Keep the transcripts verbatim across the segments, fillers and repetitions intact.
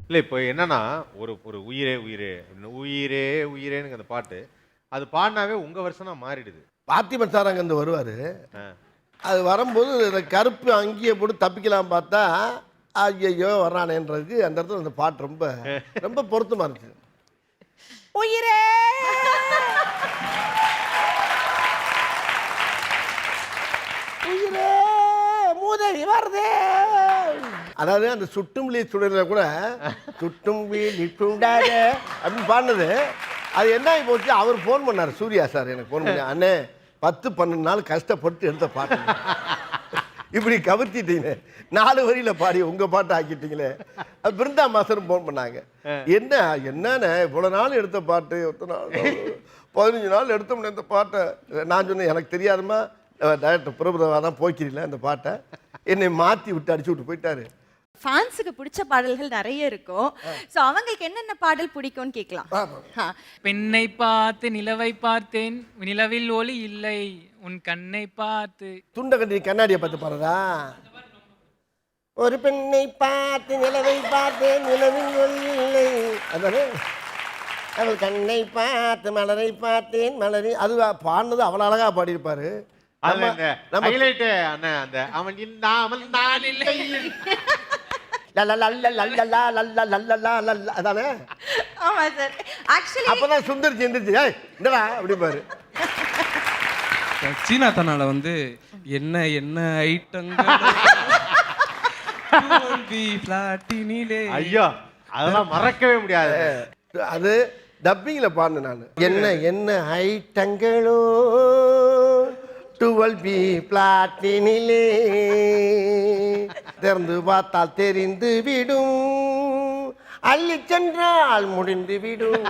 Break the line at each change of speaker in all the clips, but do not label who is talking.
இல்ல இப்போ என்னன்னா, ஒரு ஒரு உயிரே உயிரே உயிரே உயிரேன்னு அந்த பாட்டு, அது பாடுனாவே உங்க வெர்ஷனா மாறிடுது.
பார்த்திபன் சார் அங்கேருந்து வருவார்.
ஆ.
அது வரும்போது இந்த கருப்பு அங்கேயே போட்டு தப்பிக்கலாம் பார்த்தா, ஐயையோ வர்றானேன்றதுக்கு அந்த இடத்துல அந்த பாட்டு ரொம்ப ரொம்ப பொருத்தமாக இருந்துச்சு.
உயிரே உயிரே மூதேவி வருதே.
அதாவது அந்த சுட்டும் விழி சுடரில் கூட சுட்டும் விழி சுடாத அப்படின்னு பாடினது அது என்ன ஆகி போச்சு. அவர் ஃபோன் பண்ணார், சூர்யா சார் எனக்கு ஃபோன் பண்ணி, அண்ணே பத்து பன்னெண்டு நாள் கஷ்டப்பட்டு எடுத்த பாட்டு இப்படி கவர்த்திட்டீங்களே, நாலு வரியில் பாடி உங்கள் பாட்டை ஆக்கிட்டீங்களே. அது பிருந்தா மாஸ்டரும் ஃபோன் பண்ணாங்க, என்ன என்னண்ணே இவ்வளோ நாள் எடுத்த பாட்டு எத்தனை நாள் பதினஞ்சு நாள் எடுத்தோம்னே இந்த பாட்டை. நான் சொன்னேன், எனக்கு தெரியாதுமா டைரக்டர் பிரபுதவா தான் போய்க்கிறீங்களா அந்த பாட்டை, என்னை மாற்றி விட்டு அடிச்சு விட்டு போயிட்டாரு.
ஃபேன்ஸுக்கு பிடிச்ச பாடல்கள் நிறைய இருக்கும். ஸோ அவங்களுக்கு என்னென்ன பாடல் பிடிக்கும்னு கேட்கலாம்.
பெண்ணை பார்த்து நிலவை பார்த்தேன், நிலவில் ஒளி இல்லை, உன் கண்ணை பார்த்து.
துண்டை கட்டி கண்ணாடியை பார்த்து பாருதா. ஒரு பெண்ணை பார்த்து நிலவை பார்த்தேன், நிலவில் ஒளி இல்லை, அதானே. அவள் கண்ணை பார்த்து மலரை பார்த்தேன், மலரை அது பாடினது அவ்வளோ அழகா பாடியிருப்பாரு.
அதுல இந்த ஹைலைட் அண்ணா அந்த அவன் இல்லாமல் நான் இல்லை
அதானே.
ஆமா சார். ஆக்சுவலி
அப்பதான் சுந்தர் செஞ்சிருச்சு, ஏய் என்னடா அப்படி பாரு.
சீனா தன்னால வந்து என்ன என்ன ஐட்டங்கள்
ஐயோ அதெல்லாம் மறக்கவே முடியாது.
அது டப்பிங்ல பாடினேன் நான். என்ன என்ன ஐட்டங்களோ டுவெல் பி பிளாட்டினிலே திறந்து பார்த்தால் தெரிந்து விடும், அள்ளி சென்றால் முடிந்து விடும்.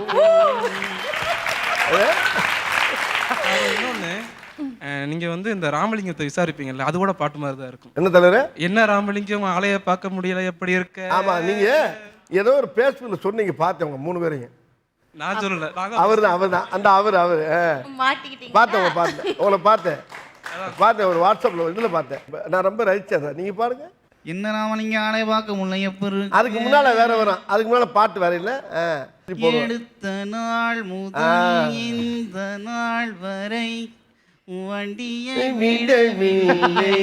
இன்னொன்னு, நீங்க வந்து இந்த ராமலிங்கத்தை விசாரிப்பீங்கல்ல, அது கூட பாட்டு மாதிரி தான் இருக்கும்.
என்ன தலைவரே,
என்ன ராமலிங்கம் ஆளைய பார்க்க முடியல எப்படி இருக்க.
ஆமா, நீங்க ஏதோ ஒரு பேஸ்புக்ல சொன்னீங்க, பார்த்தேன் உங்க மூணு பேரையும்.
நான் சொல்லல,
அவர் தான் அவர் தான் அந்த அவர் அவர்
மாட்டிக்கிட்டீங்க.
பார்த்தேன் உங்களை பார்த்தேன் உங்களை பார்த்தேன் பார்த்தேன் ஒரு வாட்ஸ்அப்ல இதுல பார்த்தேன். நான் ரொம்ப ரசிச்சேன். நீங்க பாருங்க.
என்ன ராமலிங்க ஆளை பார்க்க முடியல எப்படி.
அதுக்கு முன்னால வேற வரும், அதுக்கு முன்னால பாட்டு வேற இல்ல.
எடுத்த நாள் முதல் இந்த நாள் வரை வண்டியை
விடவில்லை,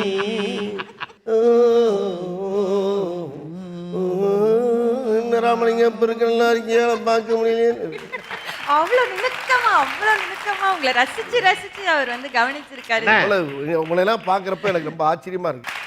ராமலிங்கம் பெருக்கெல்லாம் இருக்கியா பார்க்க முடியல.
அவ்வளவு நுணுக்கமா அவ்வளவு நுணுக்கமா உங்களை ரசிச்சு ரசிச்சு அவர் வந்து கவனிச்சிருக்காரு.
உங்களை எல்லாம் பாக்குறப்ப எனக்கு ரொம்ப ஆச்சரியமா இருக்கு.